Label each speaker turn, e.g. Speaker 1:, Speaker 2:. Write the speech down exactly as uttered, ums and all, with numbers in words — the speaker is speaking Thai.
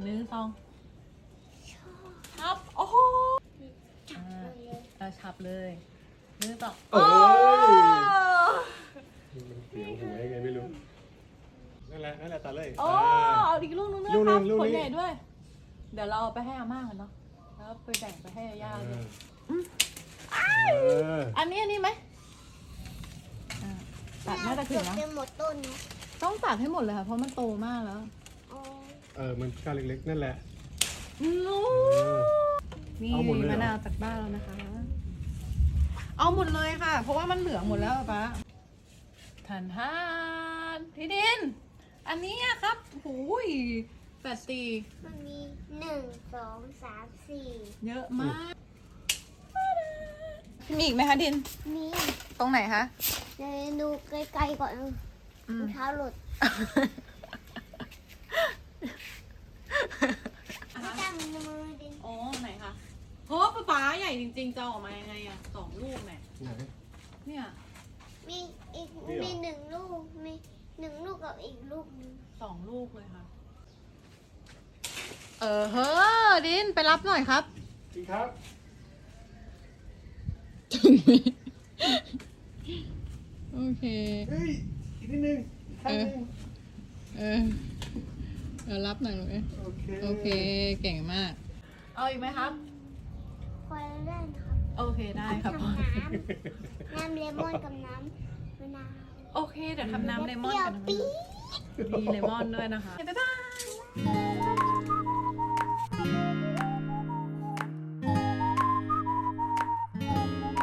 Speaker 1: หนึ่งสองชับโอ้โหเออชับเลยหนึ่งสองโอ้
Speaker 2: มันเสียงหูยังไงไม่รู้นั่นแหละนั่นแหละตาเลย
Speaker 1: โอ้เอาอีกลูกนึงด้วยครับผลใหญ่ด้วยเดี๋ยวเราเอาไปให้อาม่ากันเนาะแล้วไปแบ่งไปให้ย่าด้วยอันนี้อันนี้ไหมตัดน่าจะถึงนะ
Speaker 3: หมดต้นนะ
Speaker 1: ต้องตัดให้หมดเลยค่ะเพราะมันโตมากแล้ว
Speaker 2: เออมันก้านเล็กๆนั่นแหละ
Speaker 1: นี่มะนาวจากบ้านแล้วนะคะเอาหมดเลยค่ะเพราะว่ามันเหลืองหมดแล้วป้าทานทานพี่ดินอันนี้ครับหูยแปดตี
Speaker 3: มันมีหนึ่งสองสามสี่
Speaker 1: เยอะมากมีอีกไหมคะดิน
Speaker 3: มี
Speaker 1: ตรงไหนคะ
Speaker 3: เดี๋ยวดูไกลๆก่อนรองเท้าหลุดไม่จำมือดิน
Speaker 1: อ๋อไหนคะโหป๊าป๊าใหญ่จริงๆจะออกมายังไงอะสองลูกเนี่ยเนี่ย
Speaker 3: มีอีกมีหนึ่งลูกมีหนึ่งลูกกับอีกลูกนึง
Speaker 1: สองลูกเลยค่ะเออเฮ้อดินไปรับหน่อยครับ
Speaker 2: จริงครับ
Speaker 1: ถึงไหมโอเค
Speaker 2: เฮ้ยอีกนิดนึง
Speaker 1: เออเออเออรับหน่อยเลยโอเคโอเคเก่งมากเอาอีกไหมครับ
Speaker 3: พอเล่นครับ
Speaker 1: โอเคได้ครับ
Speaker 3: น้ำน้ำเลมอนกับน้ำมะนาว
Speaker 1: โอเคเดี๋ยวทำน้ำเลมอนกันนะมีเลมอนด้วยนะคะบ๊ายบาย